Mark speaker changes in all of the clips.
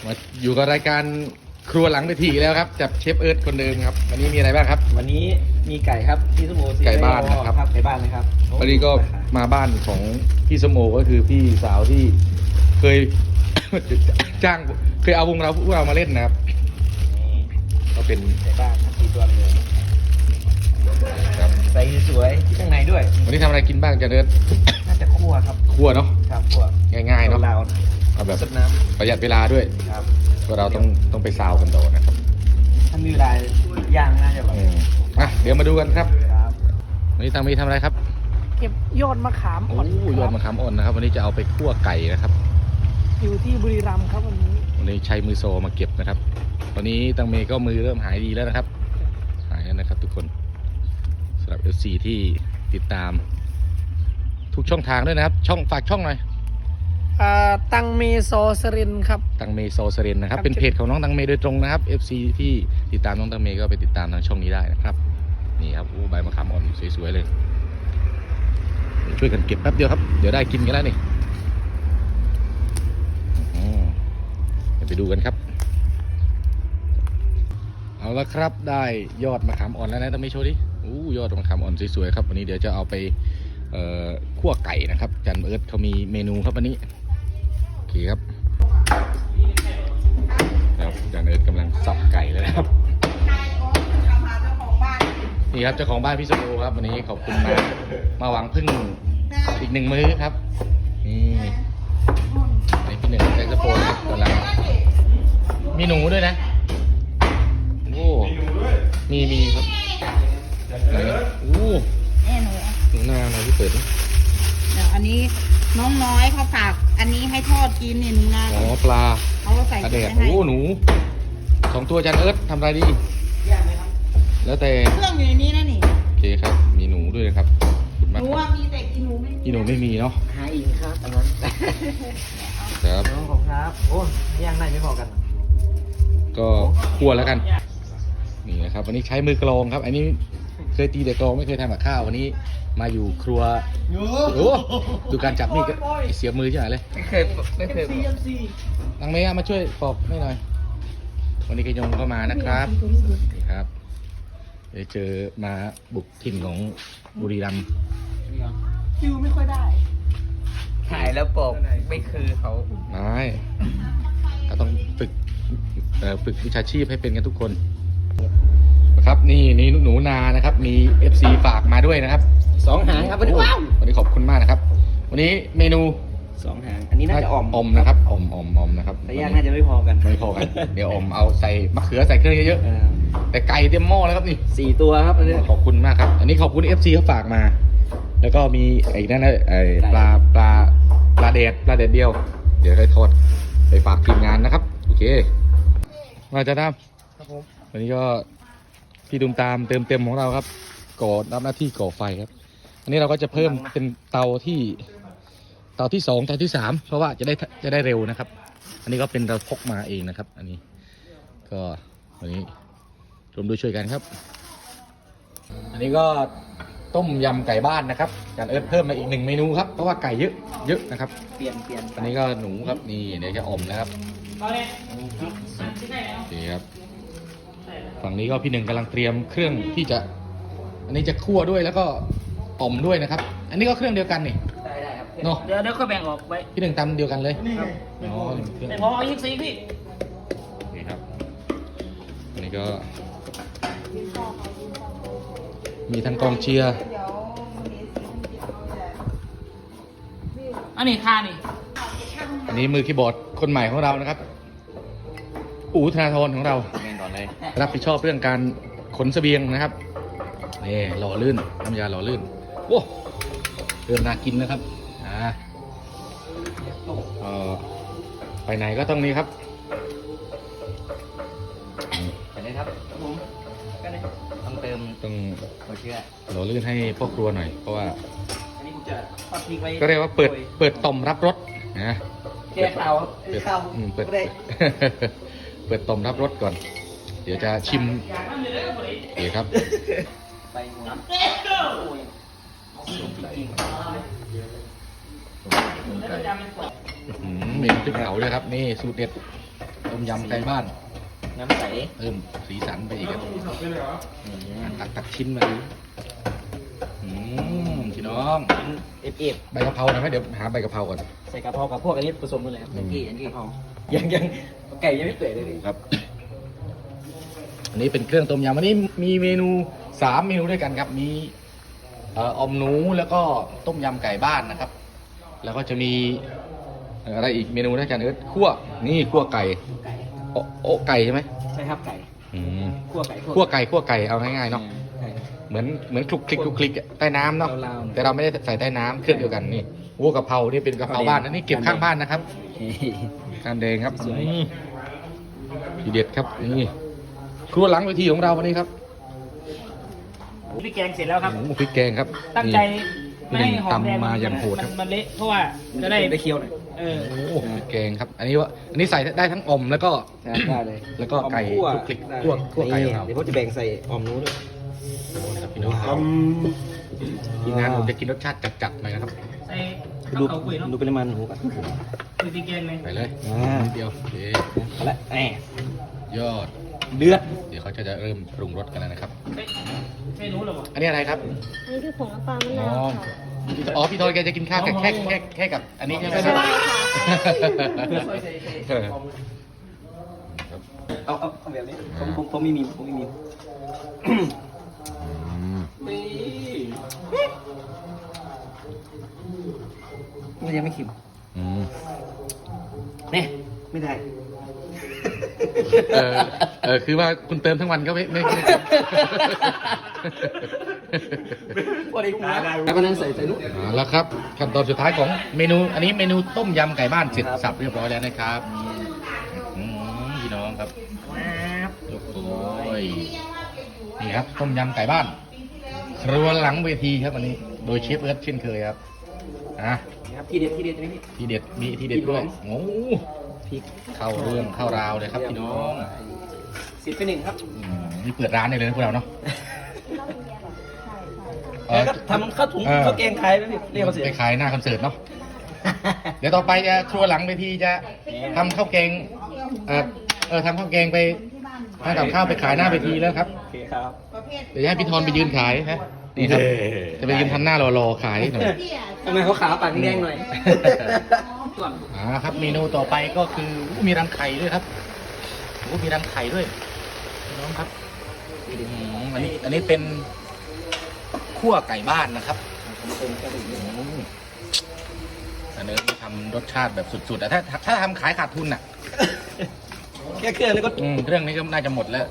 Speaker 1: มาอยู่กับรายการครัวหลังเวทีแล้วครับจับเชฟเอิร์ธคนเดิมครับวันนี้มีอะไรบ้างครับ
Speaker 2: วันนี้มีไก่ครับพี่สมโอ
Speaker 1: ไก่บ้านนะครับ
Speaker 2: ไก่บ้านนะครับ
Speaker 1: วันนี้ก็มาบ้านของพี่สมโอก็คือพี่สาวที่เคย จ้างเคยเอาวงเราพวกเรามาเล่นนะครับก็เป็น
Speaker 2: ไก่บ้านครับ4 ตัวเลย
Speaker 1: ครับ
Speaker 2: ใส่สวยที่ข้างในด้วย
Speaker 1: วันนี้ทำอะไรกินบ้างจะเดิน
Speaker 2: น่าจะคั่วครับ
Speaker 1: ครัวเนาะ
Speaker 2: ครับคั่ว
Speaker 1: ง่ายๆเนาะ
Speaker 2: ลาว
Speaker 1: เอาแบบ
Speaker 2: สดน้
Speaker 1: ประหยัดเวลาด้วย
Speaker 2: ำครับ
Speaker 1: เพราะเราต้องไปซาวกันต่อนะครับ
Speaker 2: ถ้ามีเวลาย่างน่าจะแบบ
Speaker 1: เดี๋ยวมาดูกันครับ
Speaker 2: ครับ
Speaker 1: วันนี้ทางมีทำอะไรครับ
Speaker 3: เก็บยอดมะขาม
Speaker 1: โอ้
Speaker 3: อ่อน
Speaker 1: ยอดมะขามอ่อนนะครับ วันนี้จะเอาไปคั่วไก่นะครับ
Speaker 3: อยู่ที่บุรีรัมย์ครับวันนี้
Speaker 1: วันนี้ใช้มือโซมาเก็บนะครับวันนี้ตังเมย์ก็มือเริ่มหายดีแล้วนะครับ หายแล้วนะครับทุกคนสำหรับ FC ที่ติดตามทุกช่องทางด้วยนะครับฝากช่องหน่อย
Speaker 3: ตังเมโซสรินครับ
Speaker 1: ตังเมย์โซเซเรนนะครับ
Speaker 3: ครับ
Speaker 1: เป็นเพจของน้องตังเมย์โดยตรงนะครับ FC ที่ติดตามน้องตังเมย์ก็ไปติดตามทางช่องนี้ได้นะครับนี่ครับใบมะขามอ่อนสวยๆเลยช่วยกันเก็บแป๊บเดียวครับเดี๋ยวได้กินกันแล้วนี่เดี๋ยวไปดูกันครับเอาละครับได้ยอดมะขามอ่อนแล้วนะตังเมย์โชว์ดิยอดมะขามอ่อนสวยๆครับวันนี้เดี๋ยวจะเอาไปคั่วไก่นะครับจันเอิร์ธเขามีเมนูครับวันนี้โอเคครับจันเอิร์ธกำลังสับไก่เลยนะครับนี่ครับเจ้าของบ้านพี่สโมครับวันนี้ขอบคุณมาหวังพึ่งอีก1 มื้อครับนี่พี่หนึ่งแจ็คสโปนครับกำลังมีหนูด้วยนะโอ้มีครับไหน
Speaker 4: แน่หนู
Speaker 1: หนูนาหน่อยที่เปิด
Speaker 4: เดี๋ยวอันนี้น้องน้อยเขาฝากอันนี้ให้ทอดกินเนี่ยหนูนา
Speaker 1: อ๋อปลา
Speaker 4: เขาใส่
Speaker 1: ปลาแด
Speaker 4: ถุง
Speaker 1: ด
Speaker 4: ไว้ให้
Speaker 1: หนู2 ตัวจันเอิร์ธทำอะไรดีแล้วแต่
Speaker 4: เครื่องอยู่ในนี้นะนี่
Speaker 1: โอเคครับมีหนูด้วยนะครับขอบคุณ
Speaker 4: ห
Speaker 1: มาก
Speaker 4: นูว่ามีแต่กินหนูไม่มี
Speaker 1: พี่หนูไม่มีเนาะ
Speaker 2: หาอีกครับอันนั้น
Speaker 1: ครับ
Speaker 2: น้องของครับโอ้ย่างได้ไม่พอกัน
Speaker 1: ก็คั่วแล้วกันนี่นะครับวันนี้ใช้มือกลองครับ อันนี้เคยตีแต่กลองไม่เคยทำกับข้าววันนี้มาอยู่ครัวโอ้ดูการจับมีดก็เสียมือใช่ไหมเลย
Speaker 2: ไม่เคย
Speaker 1: ตังเมย์มาช่วยปอกให้หน่อยวันนี้กยงก็มานะครับนี่ครับเดี๋ยวเจอมาบุกถิ่นของบุรีรัมย์
Speaker 3: คิวไม่ค่อยได้
Speaker 2: ถ่ายแล้วปอกไม่คือเขา
Speaker 1: ไม่เราต้องฝึกวิชาชีพให้เป็นกันทุกคนนะครับนี่หนูนานะครับมี FC ฝากมาด้วยนะครับ
Speaker 2: 2 หางครับวันนี้ว้าว
Speaker 1: วันนี้ขอบคุณมากนะครับ วันนี้เมนู
Speaker 2: 2 หางอันนี้น่าจะอ่อม
Speaker 1: นะครับอมนะครับ
Speaker 2: แต่ย่างน่าจะไม่พอกัน
Speaker 1: ไม่พอกันเดี๋ยวเอาใส่มะเขือใส่เครื่องเยอะๆแต่ไก่เต็มหม้อแล้วครับนี่
Speaker 2: 4 ตัวครับอันนี้
Speaker 1: ขอบคุณมากครับ อันนี้ขอบคุณ FC เขาฝากมา แล้วก็มีไอ้นั่นนะปลาแดดเดียว เดี๋ยวให้ทอดไปฝากทีมงานนะครับโอเคมาจะทำ
Speaker 3: ครับผม
Speaker 1: วันนี้ก็พี่ดุมตามเติมเต็มของเราครับก่อรับหน้าที่ก่อไฟครับ อันนี้เราก็จะเพิ่มเป็นเตาที่ 2เตาที่ 3เพราะว่าจะได้เร็วนะครับ อันนี้ก็เป็นเราพกมาเองนะครับ อันนี้ก็วันนี้รวมด้วยช่วยกันครับ อันนี้ก็ต้มยำไก่บ้านนะครับจานเอิร์ธเพิ่มมาอีก1 เมนูครับเพราะว่าไก่เยอะนะครับ
Speaker 2: เปลี่ยน
Speaker 1: อันนี้ก็หนูครับนี่เดี๋ยวจะอมนะครับโอเคครับฝั่งนี้ก็พี่หนึ่งกำลังเตรียมเครื่องที่จะอันนี้จะคั่วด้วยแล้วก็อมด้วยนะครับ อันนี้ก็เครื่องเดียวกันนี่
Speaker 2: ได้ครับ
Speaker 1: เนาะ
Speaker 2: เดี๋ยวค่อยแบ่งออกไว้
Speaker 1: พี่หนึ่งตำเดียวกันเลยอ๋อเครื่อง
Speaker 2: แต่พอเอา24พี่
Speaker 1: นี่ครับอันนี้ก็มีทั้งกองเชียร์
Speaker 2: อันนี้ค่านี่
Speaker 1: อันนี้มือคีย์บอร์ดคนใหม่ของเรานะครับธนาธรของเรา
Speaker 2: แบ่งก่อนเลย
Speaker 1: รับผิดชอบเรื่องการขนเสบียงนะครับนี่หล่อลื่นน้ำยาหล่อลื่นโอ้เริ่มน่ากินนะครับไปไหนก็ต้องนี้ครับ
Speaker 2: ไปเลยครับผมก็เลยต้องเติม
Speaker 1: ต้อง
Speaker 2: หัวเชื้อ
Speaker 1: หล่อลื่นให้พ่อครัวหน่อยเพราะว่า
Speaker 2: อันนี้ผมจะทอดพริกไว้
Speaker 1: ก็เรียกว่าเปิดต่อมรับรสนะ
Speaker 2: แก้ข่าวครับ
Speaker 1: เปิด
Speaker 2: ไม่ได้
Speaker 1: เปิดต่อมรับรสก่อน เดี๋ยวจะชิมโอเคครับ
Speaker 2: ไปหัวจริง
Speaker 1: เมนูพริกเผาด้วยครับนี่สูตรเด็ดต้มยำไก่บ้าน
Speaker 2: น้ำใส
Speaker 1: เพิ่มสีสันไปอีกครับตักชิ้นมาดูพี่น้อง
Speaker 2: เอฟ
Speaker 1: ใบกะเพราหน่อยไหมเดี๋ยวหาใบกะเพราก่อน
Speaker 2: ใส่กะเพรากับพวกอันนี้ผสมกันเลยครับยันกี้กะเพรายังไก่ยังไม่เปื่อยเลยดิ
Speaker 1: ครับ อันนี้เป็นเครื่องต้มยำอันนี้มีเมนู3 เมนูด้วยกันครับ มีออมหนูแล้วก็ต้มยำไก่บ้านนะครับ แล้วก็จะมีอะไรอีกเมนูด้วยกันคั่วนี่คั่วไก่โอะไก่ใช่ไหม
Speaker 2: ใช่ครับไก่
Speaker 1: อืม
Speaker 2: คั่วไก่
Speaker 1: คั่วไก่เอาง่ายๆเนาะเหมือนคลุกคลิกใต้น้ำเนาะ
Speaker 2: ลาวๆ
Speaker 1: แต่เราไม่ได้ใส่ใต้น้ำเครื่องเดียวกันนี่โอ้กะเพรานี่เป็นกะเพราบ้านอันนี้เก็บข้างบ้านนะครับการแดงครับ
Speaker 2: สวย
Speaker 1: ทีเด็ดครับนี่ครัวหลังเวทีของเราวันนี้ครับ
Speaker 2: พี่แกงเสร็จแล้วครับ
Speaker 1: หมูพริกแกงครับ
Speaker 2: ตั้งใจ
Speaker 1: นี่
Speaker 2: ไม่ให้หอมแดง
Speaker 1: ตำมาอย่างโหดครับ
Speaker 2: มันเละเพราะว่าจะได้เคี้ยวหน่อย
Speaker 1: โอ้พริกแกงครับ อันนี้ใส่ได้ทั้งอมแล้วก็
Speaker 2: ได้เลย
Speaker 1: แล้วก็ไก่
Speaker 2: คั่ว
Speaker 1: คลุกคลิกคั่วไก่ของเรา
Speaker 2: เดี๋ยวผมจะแบ่งใส่ออมนู้ด้วย
Speaker 1: ครับพี่น้องครับทีมงานผมจะกินรสชาติจัดๆหน่อยนะครับ
Speaker 2: ใส่ดูปริมาณหมูก่อนดูพี่แกงเลย
Speaker 1: ไปเลยนิดเดียวโอเค
Speaker 2: เอาละแหม
Speaker 1: ยอด
Speaker 2: เดือด
Speaker 1: เดี๋ยวเขาจะเริ่มปรุงรสกันแล้วนะครับ
Speaker 2: ไม่รู้หรอวะ
Speaker 1: อันนี้อะไรครับ
Speaker 5: อันนี้คือผงน้ำปลามะ
Speaker 1: อ๋
Speaker 5: นา
Speaker 1: อ
Speaker 5: วค่ะ
Speaker 1: อ๋อพี่ทอยแกจะกินข้าวแค่กับ อันนี้ใช่ไหม
Speaker 5: ใช่ค่ะ
Speaker 2: เอาแบบนี้ผมไม่มีนี่มันยังไม่ขิม
Speaker 1: อืม
Speaker 2: เนี่ยไม่ได้
Speaker 1: คือว่าคุณเติมทั้งวันก็ไม่
Speaker 2: พอดีหัวแล้วก็นั่งใส่ลูก
Speaker 1: แล้วครับขั้นตอนสุดท้ายของเมนู อันนี้เมนูต้มยำไก่บ้านเสร็จสับเรียบร้อยแล้วนะครับพี่น้องครับโอ้ยนี่ครับต้มยำไก่บ้าน ครัวหลังเวทีครับวันนี้ โดยเชฟเอิร์ธเช่นเคยครับ
Speaker 2: ครับที่เด็ดใช่ไหมพี่
Speaker 1: ทีเด็ดมีทีเด็ดด้วยโอ้
Speaker 2: พริก
Speaker 1: เข้าเรื่องเข้าราวเลยครับพี่น้อง
Speaker 2: 10 ไป 1ครับ
Speaker 1: นี่เปิดร้านได้เลยนะพวกเราเนาะ
Speaker 2: แล้วก็ทำข้าวถุงข้าวแกงขายไหมพี่เรียกเขาเสีย
Speaker 1: ไปขายหน้าคอนเสิร์ตเนาะ เดี๋ยวต่อไปจะครัวหลังเวทีจะทำข้าวแกงทำข้าวแกงไปทำกับข้าวไปขายหน้าเวทีแล้วครับ
Speaker 2: โอเคครับ
Speaker 1: เดี๋ยวจะให้พี่ธรไปยืนขายฮะนี่ครับจะไปยืนทำหน้ารอๆขายหน่อย
Speaker 2: ทำไมเขาขาวปากแดงหน่อย
Speaker 1: ครับเมนูต่อไปก็คือมีรังไข่ด้วยครับมีรังไข่ด้วยพี่น้องครับอันนี้เป็นคั่วไก่บ้านนะครับอันนี้ทำรสชาติแบบสุดๆแต่ถ้าทำขายขาดทุนอ่ะ
Speaker 2: แค่เครื่องแล้วก็
Speaker 1: เครื่องนี้ก็น่าจะหมดแล้ว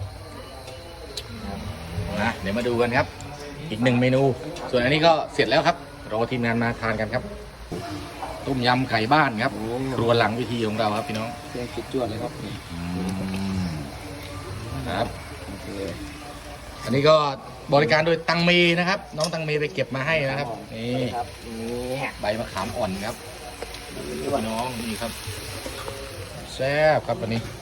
Speaker 1: นะเดี๋ยวมาดูกันครับ อีก1 เมนู ส่วนอันนี้ก็เสร็จแล้วครับรอทีมงานมาทานกันครับต้มยำไก่บ้านครับครัวหลังวิธีของเราครับพี่น้อง
Speaker 2: เครื่องคิดจวดเลยครับ
Speaker 1: ครับอันนี้ก็บริการโดยตังเมนะครับ น้องตังเมไปเก็บมาให้นะครับนี่
Speaker 2: ครับนี่
Speaker 1: ใบมะขามอ่อนครับพี่น้องนี่ครับแซ่บครับวันนี้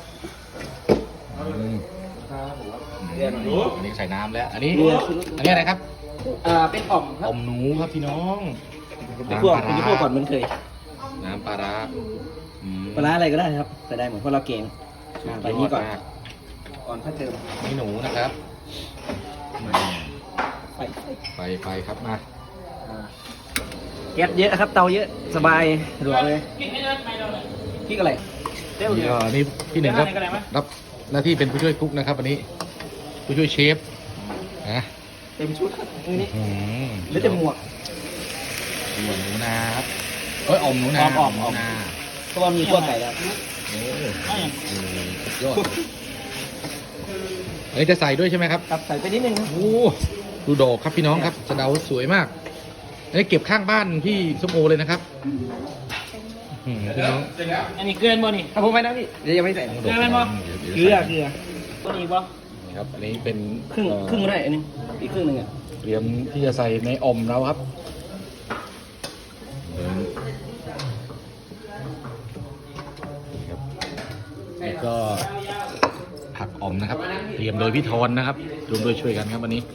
Speaker 1: อันนี้ใส่น้ำแล้ว อันนี้อะไรครับ
Speaker 2: เป็นอ่อมครั
Speaker 1: อบ มหนูครับพี่น้อง
Speaker 2: เป็นพวกก่อนเหมือนเคย
Speaker 1: น้ำปลาร้า
Speaker 2: ปลาร้าอะไรก็ได้ครับแต่ได้เหมือนเพราะเราเก่งไปนี้ก่อนก่อนค่อยเติม
Speaker 1: นี่หนูนะครับ
Speaker 2: ไป
Speaker 1: ไปครับมา
Speaker 2: แก๊สเยอะครับเตาเยอะสบายสะดวกเลยพริกอะไรเต้า
Speaker 1: นี่
Speaker 2: เดียว
Speaker 1: ก็นี่พี่หนึ่งครับรับหน้าที่เป็นผู้ช่วยกุ๊กนะครับวันนี้ผู้ช่วยเชฟนะ
Speaker 2: เต็มชุดครับนี่
Speaker 1: อืม
Speaker 2: หรือจะหมวก
Speaker 1: หัวหนูนาครับอมหนูนา
Speaker 2: อม
Speaker 1: หนูนา
Speaker 2: เพราะว่ามีขั้วไก่แล้ว
Speaker 1: โอ้สุดยอดอันนี้จะใส่ด้วยใช่ไหมครับ
Speaker 2: ครับใส่ไปนิดนึงครับ
Speaker 1: โอ้ดูดอกครับพี่น้องครับสะเดาสวยมากอันนี้เก็บข้างบ้านพี่ส้มโอเลยนะครับพี่น้อง
Speaker 2: อันนี้เกลือบ่นี่ครับผมไปนะพี่เดี๋ยวยังไม่ใส่เกลือบ่เกลือตัวนี้บ่
Speaker 1: ครับอันนี้เป็น
Speaker 2: ครึ่งได้อันนึงอีกครึ่งนึงอ่ะ
Speaker 1: เตรียมที่จะใส่ในอมเราครับนี่ก็ผักอมนะครับ เตรียมโดยพี่ธรนะครับรวมโดยช่วยกันครับวันนี้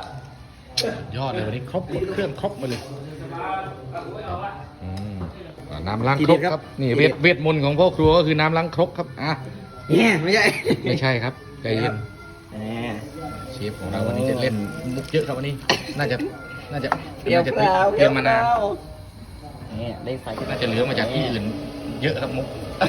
Speaker 1: ยอดเลยวันนี้ครบหมดเครื่องครบหมาเลยน้ำล้างครกครับนี่เวทมนต์ของพ่อครัวก็คือน้ำล้างครกครับอ่ะ
Speaker 2: เนี่ยไม่ใช่
Speaker 1: ไม่ใช่ครับใจเย็น
Speaker 2: แหม
Speaker 1: เชฟของเราวันนี้จะเล่นมุกเยอะครับวันนี้น่าจะ
Speaker 2: เปรี้ยว
Speaker 1: จะ
Speaker 2: เปล่า
Speaker 1: เตรียมมานาน
Speaker 2: เนี่ยได้ไฟ
Speaker 1: น่าจะเหลือมาจากที่อื่น เยอะครับมุก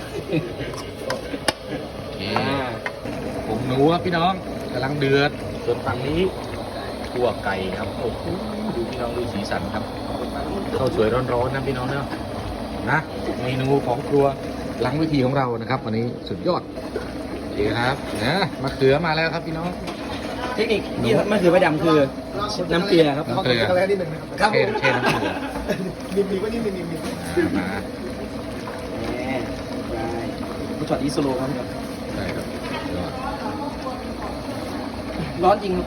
Speaker 1: โอเคผมหนูครับพี่น้องกำลังเดือดส่วนฝั่งนี้คั่วไก่ครับโอ้โหดูพี่น้องดูสีสันครับข้าวสวยร้อนๆนะพี่น้องเนาะนะเมนูของครัวหลังเวิธีของเรานะครับวันนี้สุดยอดดีครับนะมะเขือมาแล้วครับพี่น้อง
Speaker 2: เทคนิคที่มันคือใบดำคือน้ำเกลือครับ
Speaker 1: น้ำเกลือ
Speaker 2: ครับ
Speaker 1: เทน้ำเกลือ
Speaker 3: มีว่านี่มี
Speaker 1: มา
Speaker 2: แหมได้ผู้ช็อตอีสโลครับพี่ครับ
Speaker 1: ได้ครับยอด
Speaker 2: ร้อนจริงครับ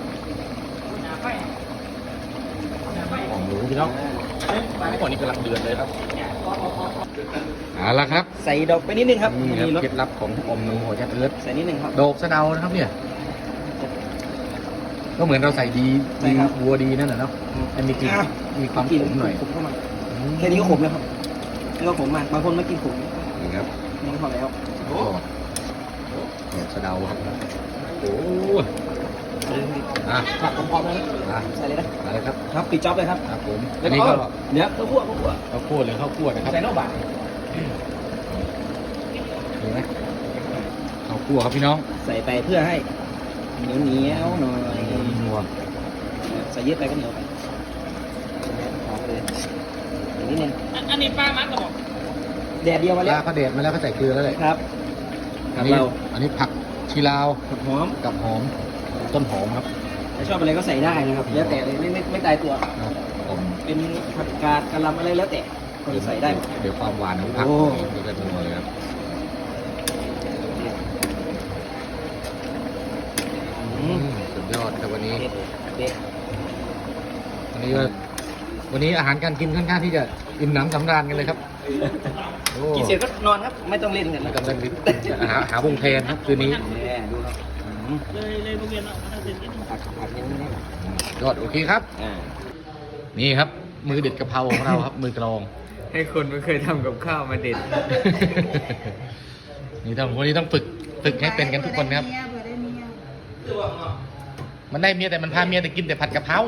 Speaker 1: ของหนูพี่น้องก่อนนี้กำลังเดือดเลยครับเอาละครับ
Speaker 2: ใส่ดอกไปนิดนึงครับ
Speaker 1: นี่ครับ
Speaker 2: มีรส
Speaker 1: เคล็ดลับของอมหนูหัวยัดเอิร์ธ
Speaker 2: ใส่นิดนึงครับ
Speaker 1: โดกสะเดานะครับเนี่ย ก็เหมือนเราใส่ดี
Speaker 2: ใช่ครับ
Speaker 1: วัวดีนั่นแหละเนาะให้มีกลิ่น
Speaker 2: อ่ะ
Speaker 1: มีความขมหน่อย
Speaker 2: ขมเข้ามาแค่นี้ก็ขมแล้วครับนี่ก็ขมมากบางคนไม่กินขม
Speaker 1: นี่ครับ
Speaker 2: นี่ก็พอแล้ว
Speaker 1: โอ้โดกสะเดาครับโอ้อ่ะ
Speaker 2: ผักพร้อมๆแล้วนะ
Speaker 1: อ่ะ
Speaker 2: ใส่เลยนะ
Speaker 1: มาเลยครับ
Speaker 2: ครับปิดจ็อบเลยครับ
Speaker 1: ครับผม
Speaker 2: แล้
Speaker 1: อั
Speaker 2: วน
Speaker 1: นี้ก็
Speaker 2: เนื้อข้าวคั่ว
Speaker 1: ข้าวคั่วหรือข้าวคั่วนะครับ
Speaker 2: ใส่นอกบาท
Speaker 1: เห็นไหมข้าวคั่วครับพี่น้อง
Speaker 2: ใส่ไปเพื่อให้เหนียวหน่อย
Speaker 1: นัว
Speaker 2: ใส่เยอะไปก็เหนียวไปหอมเลยอย่างนี้นึง
Speaker 3: อันนี้ป้ามัดกระบอก
Speaker 2: แดดเดียวมา
Speaker 1: ป
Speaker 2: แล้
Speaker 1: ลาว ก็เด็ดมาแล้วก็ใส่เกลือแล้วเลย
Speaker 2: ครับ
Speaker 1: อันนี้
Speaker 2: เรา
Speaker 1: อันนี้ผักชีลาว
Speaker 2: ผักหอม
Speaker 1: กับหอมต้นหอมครับ
Speaker 2: ถ้าชอบอะไรก็ใส่ได้นะครับแล้วแต่เลยไม่ตายตัว
Speaker 1: ครับผม
Speaker 2: เป็นผักกาดกะหล่ำอะไรแล้วแต่คนใส่ได้หมด
Speaker 1: เดี๋ยวความหวานของผัก
Speaker 2: โอ้
Speaker 1: นี่ก็นัวเลยครับ
Speaker 2: อืม
Speaker 1: สุดยอดครับวันนี้
Speaker 2: เด็ด
Speaker 1: วันนี้อาหารการกินค่อนข้างที่จะอิ่มหนำสำราญกันเลยครับโอ้
Speaker 2: กินเสร็จก็นอนครับ ไม่ต้องเล่นกัน
Speaker 1: ไม่
Speaker 2: นะ
Speaker 1: ต้องเล่นลิ้นหาวงแทนครับคืนนี้
Speaker 2: เนี่ยดูครับอืม
Speaker 3: เลยโรงเรียนเราถ้าเป็น
Speaker 2: ผักอย่างนี้นะ
Speaker 1: ยอดโอเคครับ
Speaker 2: อ่า
Speaker 1: นี่ครับ มือเด็ดกะเพราของเราครับ มือกลอง
Speaker 3: ให้คนไม่เคยทำกับข้าวมาเด็ด
Speaker 1: นี่ต้องวันนี้ต้องฝึกให้เป็นกันทุกคนนะครับ มันได้เมียแต่มันพาเมียแต่กินแต่ผัดกะเพรา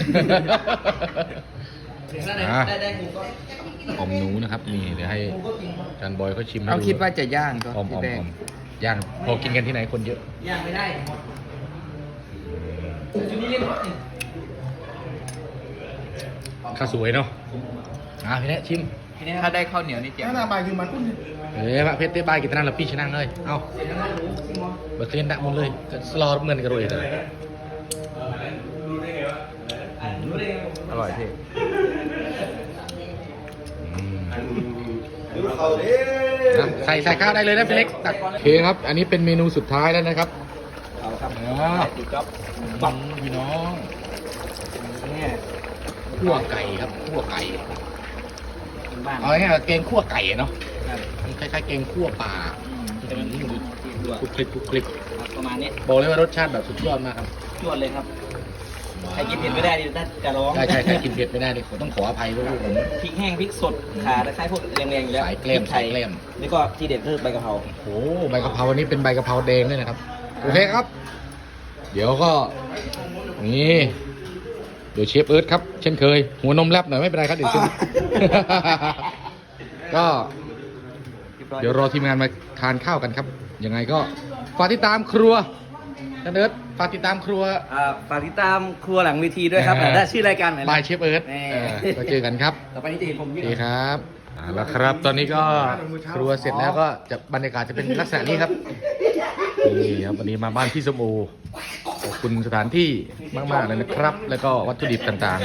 Speaker 1: อ่ะ
Speaker 2: ได้งูก็
Speaker 1: อมหนูนะครับนี่เดี๋ยวให้อาจารย์บอยเขาชิมให้
Speaker 3: เขา
Speaker 1: ดู
Speaker 3: คิดว่าจะย่างก็
Speaker 1: อม
Speaker 3: ที่แรก
Speaker 1: ย่างพอกินกันที่ไหนคนเยอะ
Speaker 2: ย่างไม่ได้ชุดนี้เล่นหมดนี่
Speaker 1: ข้าวสวยเนาะพี่แนะชิม
Speaker 2: ทีนี้ค
Speaker 3: ถ้า
Speaker 2: รับ
Speaker 3: ได้ข้าวเหนียวนี่เจ๋ง
Speaker 1: เฮ้ยพระเพชรได้บายกินนั่นแล้วพี่ชนะเลยเอาเบิร์เทียนดักหมดเลยก็สลอเหมือนกันเลย
Speaker 3: อร่อยพี่
Speaker 1: ใส่ข้าวได้เลยนะพี่เล็กตักโอเคครับ อันนี้เป็นเมนูสุดท้ายแล้วนะครับ
Speaker 2: เอาครับ
Speaker 1: อ่า
Speaker 2: ติดจ๊อบ
Speaker 1: บังพี่น้อง
Speaker 2: เนี่ย
Speaker 1: คั่วไก่ครับคั่วไก่
Speaker 2: กินบ้าน
Speaker 1: เอาง่ายๆเกงคั่วไก่เนาะ
Speaker 2: ครับ
Speaker 1: มันคล้ายๆเกงคั่วปลา
Speaker 2: จะเป็นที่ดู
Speaker 1: คลุกคลิกคลุกคลิก
Speaker 2: ประมาณนี้
Speaker 1: บอกเลยว่ารสชาติแบบสุดยอดมากครับ
Speaker 2: จวดเลยครับ ใครกินเผ็ดไม่ได้ดิน่าจะร้อง
Speaker 1: ใช่ใครกินเผ็ดไม่ได้นี่ผมต้องขออภัยด้วยผม
Speaker 2: พริกแห้งพริกสดขาตะไคร้พวกแรงๆอยู่แล้ว
Speaker 1: สายแกล้ม
Speaker 2: พริไท
Speaker 1: สายแกล้ม
Speaker 2: นี่ก็ที่เด็ดคือใบกะเพรา
Speaker 1: โอ้โหใบกะเพราวันนี้เป็นใบกะเพราแดงด้วยนะครับโอเคครับ เดี๋ยวก็นี่เดี๋ยวเชฟเอิร์ธครับ เช่นเคย หัวนมแลบหน่อยไม่เป็นไรครับเดี๋ยวชิม ก็เดี๋ยวรอทีมงานมาทานข้าวกันครับ ยังไงก็ฝากติดตามครัวนันเอิร์ธฝากติดตามครัว
Speaker 2: ฝากติดตามครัวหลังเวทีด้วยครับได้ชื่อรายการไหน
Speaker 1: บายเชฟเอิร์ธ
Speaker 2: แน่
Speaker 1: ก็เจอกันครับ
Speaker 2: ต่อไปนี้จะเห็นผม
Speaker 1: โอ
Speaker 2: ยืน
Speaker 1: เคครับแล้วครับ ตอนนี้ก็ครัวเสร็จแล้วก็จะบรรยากาศจะเป็นลักษณะนี้ครับนี่ครับวันนี้มาบ้านพี่สมโอขอบคุณสถานที่มากๆเลยนะครับ แล้วก็วัตถุดิบต่างๆ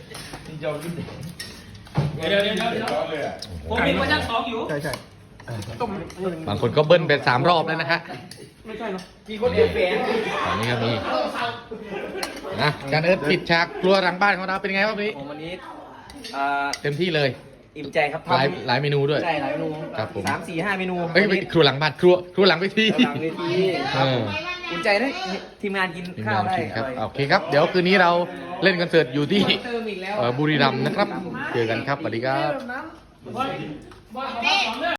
Speaker 3: ผมมีโปรเจกต์2อยู่
Speaker 1: บางคนก็เบิ้ลไป3 รอบแล้วนะฮะ
Speaker 2: มีคนเอ็นแฝง
Speaker 1: ตอนนี้ก็มีนะอาจารย์เอิร์ธปิดฉากครัวหลังบ้านของเราเป็นไงครับวันนี้
Speaker 2: ผมวันนี้
Speaker 1: เต็มที่เลย
Speaker 2: อิ่มใจครับ
Speaker 1: หลายเมนูด้วย
Speaker 2: ใช่หลายเมนู
Speaker 1: ครับผม
Speaker 2: 3-4-5 เมนู
Speaker 1: เอ้ยไม่ครัวหลังบ้านครัวหลังเวที
Speaker 2: หลังเวที
Speaker 1: เออ
Speaker 2: อุ่นใจนะทีมงานกิน
Speaker 1: ทีม
Speaker 2: ข้าว
Speaker 1: งาน
Speaker 2: ได้
Speaker 1: ชิมครับ
Speaker 2: ออย
Speaker 1: โอเคครับ เดี๋ยวคืนนี้เราเล่นคอนเสิร์ตอยู่ที่
Speaker 2: เติมอีกแล้ว
Speaker 1: บุรีรัมย์นะครับ เจอกันครับสวัสดีครับ
Speaker 3: น้ำ
Speaker 4: เป้